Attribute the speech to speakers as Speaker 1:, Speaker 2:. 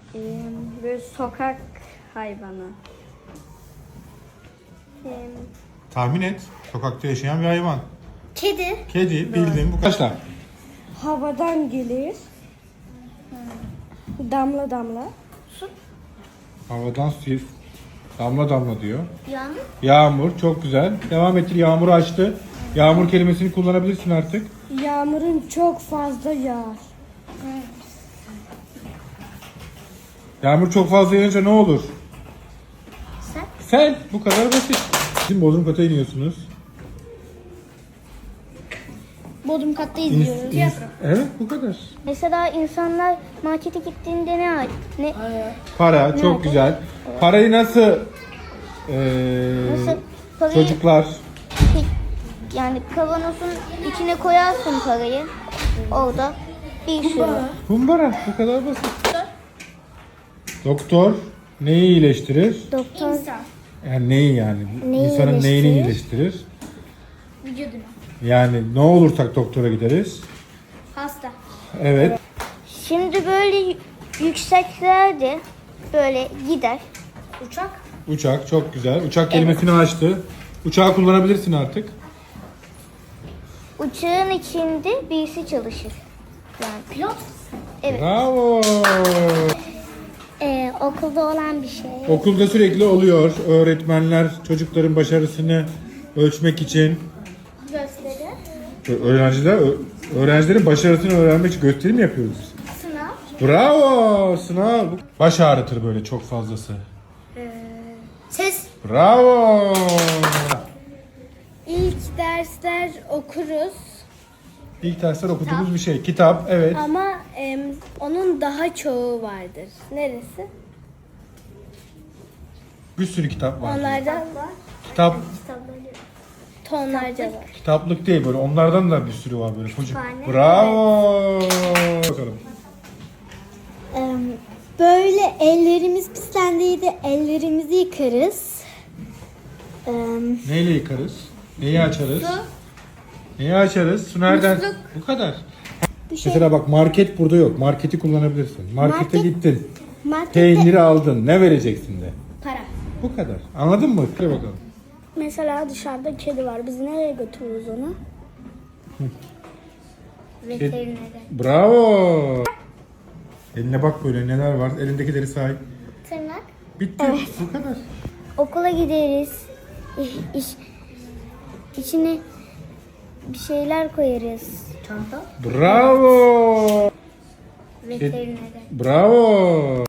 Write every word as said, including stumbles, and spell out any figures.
Speaker 1: Ee, böyle sokak hayvanı. Ee,
Speaker 2: Tahmin et. Sokakta yaşayan bir hayvan.
Speaker 1: Kedi.
Speaker 2: Kedi bildim. Bu kaçta?
Speaker 1: Havadan gelir. Damla damla.
Speaker 2: Havadan su. Damla damla diyor.
Speaker 1: Yağmur.
Speaker 2: Yağmur çok güzel. Devam ettir. Yağmuru açtı. Yağmur kelimesini kullanabilirsin artık.
Speaker 1: Yağmurun çok fazla yağar.
Speaker 2: Yağmur çok fazla yağınca ne olur?
Speaker 1: Sen?
Speaker 2: Sel. Bu kadar basit. Şimdi Bodrum kata iniyorsunuz.
Speaker 1: Bodrum katta
Speaker 2: İns-
Speaker 1: izliyoruz.
Speaker 2: ins- evet bu kadar.
Speaker 1: Mesela insanlar markete gittiğinde ne ne
Speaker 2: Para çok
Speaker 1: Nerede?
Speaker 2: güzel. Parayı nasıl eee,
Speaker 1: Nasıl? Parayı-
Speaker 2: çocuklar
Speaker 1: yani kavanozun içine koyarsın parayı. Orada bir sürü.
Speaker 2: kumbara bu kadar basit. Doktor neyi iyileştirir?
Speaker 1: Doktor
Speaker 2: Yani neyi yani?
Speaker 1: Neyi
Speaker 2: İnsanın neyini
Speaker 1: iyileştirir?
Speaker 2: iyileştirir?
Speaker 1: vücuduna.
Speaker 2: Yani ne olursak doktora gideriz.
Speaker 1: Hasta.
Speaker 2: Evet.
Speaker 1: Şimdi böyle yükseklerde böyle gider. Uçak.
Speaker 2: Uçak çok güzel. Uçak kelimesini açtı. Uçağı kullanabilirsin artık.
Speaker 1: Uçağın içinde birisi çalışır. Yani pilot. Evet.
Speaker 2: Bravo.
Speaker 1: Ee, okulda olan bir şey.
Speaker 2: Okulda sürekli oluyor. Öğretmenler çocukların başarısını ölçmek için,
Speaker 1: Gösteri.
Speaker 2: ö- öğrenciler ö- öğrencilerin başarısını öğrenmek için gösteri mi yapıyoruz?
Speaker 1: Sınav.
Speaker 2: Bravo. Sınav. Baş ağrıtır böyle çok fazlası.
Speaker 1: Ses.
Speaker 2: Bravo.
Speaker 1: İlk dersler okuruz
Speaker 2: İlk dersler okuduğumuz bir şey. Kitap, evet.
Speaker 1: ama em, onun daha çoğu vardır. Neresi?
Speaker 2: Bir sürü kitap var.
Speaker 1: Onlardan
Speaker 2: Kitap,
Speaker 1: tonlarca var.
Speaker 2: kitaplık değil böyle. Onlardan da bir sürü var böyle. Çocuk.
Speaker 1: Kütüphane.
Speaker 2: Bravo. Bakalım.
Speaker 3: Böyle ellerimiz pislendiğinde ellerimizi yıkarız. Ee,
Speaker 2: Neyle yıkarız? Neyi açarız? Neyi açarız? Su nereden?
Speaker 1: Musluk.
Speaker 2: Bu kadar.
Speaker 3: bir şey
Speaker 2: Mesela bak market burada yok. Marketi kullanabilirsin. Markete
Speaker 3: Market-
Speaker 2: gittin.
Speaker 3: markette
Speaker 2: Peyniri aldın. Ne vereceksin de.
Speaker 1: Para.
Speaker 2: Bu kadar. Anladın mı? Hadi bakalım.
Speaker 3: mesela dışarıda kedi var. Biz nereye götürürüz onu?
Speaker 1: Veterinere.
Speaker 2: Bravo. Eline bak böyle neler var. Elindekileri say.
Speaker 1: Tırnak.
Speaker 2: Bitti. Bu kadar.
Speaker 1: Okula gideriz. İş, içine bir şeyler koyarız. Çanta.
Speaker 2: Bravo.
Speaker 1: Veterinere.
Speaker 2: Bravo.